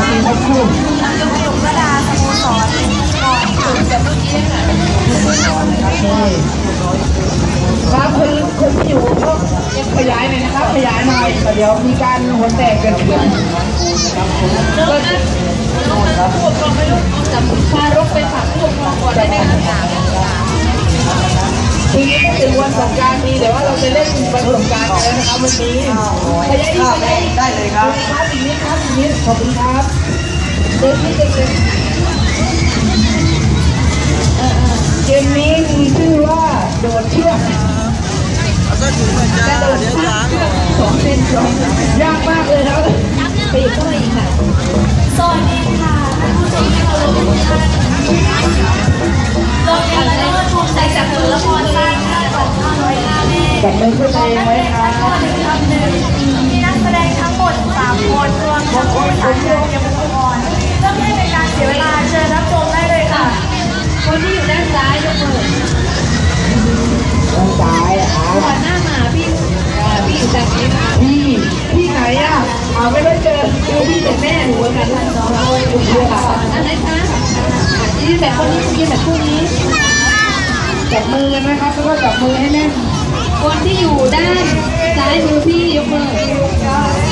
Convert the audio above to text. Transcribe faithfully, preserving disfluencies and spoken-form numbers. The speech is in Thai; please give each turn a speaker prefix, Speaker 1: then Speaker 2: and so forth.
Speaker 1: ทีมทั้งคู่
Speaker 2: ยมระดาสโมสรก่อนจะเมื่อกี้ค่ะ
Speaker 1: ครับคนคนที่อยู่ก็ยังขยายหน่อยนะครับขยายหน่อยเดี๋ยวมีการหัวแตกกันเดือนก็
Speaker 2: ครับผู้ปกครองไม่รู้จับพารกไปฝากผู้ปกครองก่อนได้ไหมคะ
Speaker 1: ทีนี้ก็เป็นวันสงกรานต์มีแต่ว่าเราจะเล่นวันสงกรานต์กันนะครับวันนี้ขยายอีกได้เลยครับครับอีกนิดครับอีกนิดขอบคุณครับเด็กนี่เด็กเกมนี้มีชื่อว่าโดดเชือก
Speaker 3: จะโดดเชือก
Speaker 1: สองเส้นยากมากเลยครับ
Speaker 2: ไปอีกก็ไปอีกค่ะสวัสดีค่ะผู้ชมที่เคารพทุกท่านโรงเรียนละเลิศภูมิใจจากผลละครสร้างค่าของข้าวร้อยห้าแม่
Speaker 1: จับมือขึ้นเองไว้ครับ
Speaker 2: คำหนึ่งมีนักแสดงทั้งหมดสามคนรวมทั้งผู้สานการเตรียมอุปกรณ์เพื่อไม่ให้เป็นการเสียเวลาเชิญรับชมได้เลยค่ะคนที่อยู่ด้านซ้ายยกมือ
Speaker 1: ด้านซ้ายอ่ะ
Speaker 2: ก่อนหน้ามาพี่พี่อยู่จากนี้ค่ะ
Speaker 1: พี่พี่ไหนอ่ะอ่าไม่ได้เจอคือพี่เป็นแม่หนูเหมือนกันทั้งสองคนคุณเชื่อค่ะ
Speaker 2: อันไหนคะยืนแบบคนนี้ยืนแบบคู่นี้
Speaker 1: จับมือกันนะครับแล้วก็จับมือให้แน่น
Speaker 2: คนที่อยู่ด้านซ้ายมือพี่ยกมือ